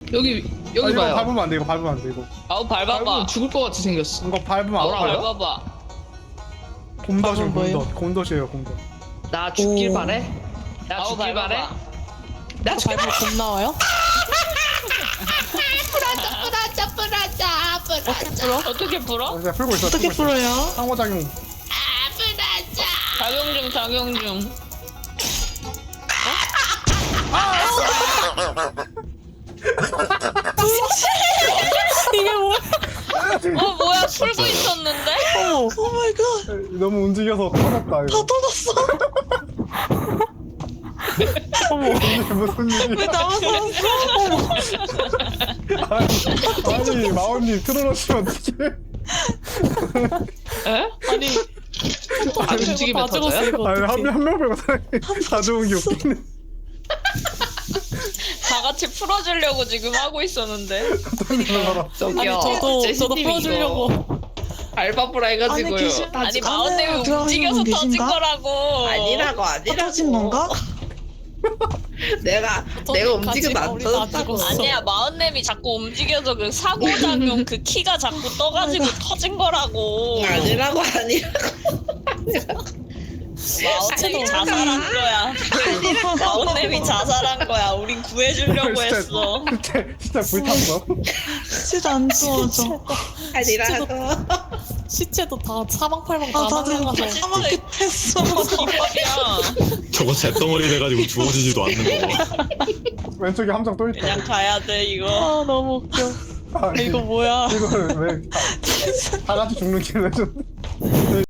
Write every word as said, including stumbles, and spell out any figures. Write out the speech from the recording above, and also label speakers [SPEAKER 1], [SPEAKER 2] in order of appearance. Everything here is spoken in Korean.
[SPEAKER 1] 여기
[SPEAKER 2] 아,
[SPEAKER 1] 여기
[SPEAKER 2] 이거
[SPEAKER 1] 봐요.
[SPEAKER 2] 밟으면 안 돼. 이거 밟으면 안 돼. 이거.
[SPEAKER 3] 아우 밟아봐.
[SPEAKER 1] 밟으면 죽을 것 같이 생겼어.
[SPEAKER 2] 이거 밟으면
[SPEAKER 3] 아우라
[SPEAKER 2] 아파요.
[SPEAKER 3] 밟아봐.
[SPEAKER 2] 곰덫이요,
[SPEAKER 4] 밟으면 뭐예요?
[SPEAKER 2] 곰덫. 곰덫이에요, 곰덫.
[SPEAKER 1] 나 죽길
[SPEAKER 4] 오.
[SPEAKER 1] 바래. 나
[SPEAKER 3] 아우
[SPEAKER 1] 죽길 바래.
[SPEAKER 3] 밟아봐.
[SPEAKER 1] 나 죽길
[SPEAKER 4] 밟으면 곰 나와요?
[SPEAKER 5] 뿌라짜 뿌라짜 뿌라짜
[SPEAKER 3] 어떻게 풀어?
[SPEAKER 2] 어, 제가 풀고 있어.
[SPEAKER 4] 어떻게
[SPEAKER 2] 풀고 있어.
[SPEAKER 4] 풀어요?
[SPEAKER 2] 상호작용.
[SPEAKER 5] 아 뿌라짜
[SPEAKER 3] 작용 중 작용 중.
[SPEAKER 4] 이게 뭐야?
[SPEAKER 3] 어 뭐야 풀고 있었는데?
[SPEAKER 4] 어머, 오 마이 갓.
[SPEAKER 2] 너무 움직여서 터졌다.
[SPEAKER 4] 다
[SPEAKER 2] 이거.
[SPEAKER 4] 터졌어. 어머,
[SPEAKER 2] 이게 무슨 일이?
[SPEAKER 4] 왜 나만 살았어? 어머,
[SPEAKER 2] 아니, 아니 마원님 틀어놓으시면 어떡해?
[SPEAKER 1] 에?
[SPEAKER 4] 아니,
[SPEAKER 1] 아, 움직이면
[SPEAKER 4] 다 죽었어
[SPEAKER 1] 터져요?
[SPEAKER 4] 이거
[SPEAKER 2] 아니
[SPEAKER 4] 어떡해?
[SPEAKER 2] 한명 빼고 사람이 다 좋은 게 웃기네.
[SPEAKER 3] 다 같이 풀어주려고 지금 하고 있었는데.
[SPEAKER 2] 떨리는
[SPEAKER 1] 저기요.
[SPEAKER 4] 아니 저도 저도
[SPEAKER 1] 제시님이
[SPEAKER 4] 풀어주려고.
[SPEAKER 1] 이거 알바부라 해가지고요.
[SPEAKER 4] 아니, 귀신-
[SPEAKER 3] 아니
[SPEAKER 4] 아직
[SPEAKER 3] 마운데이
[SPEAKER 4] 안에 들어가신
[SPEAKER 3] 움직여서
[SPEAKER 4] 분
[SPEAKER 3] 터진
[SPEAKER 4] 계신가?
[SPEAKER 3] 거라고.
[SPEAKER 5] 아니라고 아니라고
[SPEAKER 4] 터진 건가?
[SPEAKER 5] 내가 내가 움직여도 안
[SPEAKER 4] 우리 다
[SPEAKER 5] 터졌다고
[SPEAKER 4] 죽었어.
[SPEAKER 3] 아니야 마운nem이 자꾸 움직여서 그 사고작용 그 키가 자꾸 떠가지고 터진 거라고.
[SPEAKER 5] 아니라고 아니라고
[SPEAKER 3] 마운nem이 자살한 거야. 마운nem이 자살한 거야. 우린 구해주려고 했어.
[SPEAKER 2] 진짜 진짜 불탔어.
[SPEAKER 4] 진짜 안 좋아져.
[SPEAKER 5] 아니라고
[SPEAKER 4] 시체도 다 사방팔방 다
[SPEAKER 5] 아, 다들
[SPEAKER 4] 날아가서
[SPEAKER 5] 사막에
[SPEAKER 4] 했어.
[SPEAKER 3] 기법이야.
[SPEAKER 6] 저거 잿덩어리 돼가지고 주워지지도 않는 거.
[SPEAKER 2] 왼쪽에 함정 또 있다.
[SPEAKER 3] 그냥 가야 돼 이거.
[SPEAKER 4] 아 너무 웃겨.
[SPEAKER 2] 아니,
[SPEAKER 4] 이거 뭐야?
[SPEAKER 2] 이걸 왜 다 같이 죽는 길을 해줬네.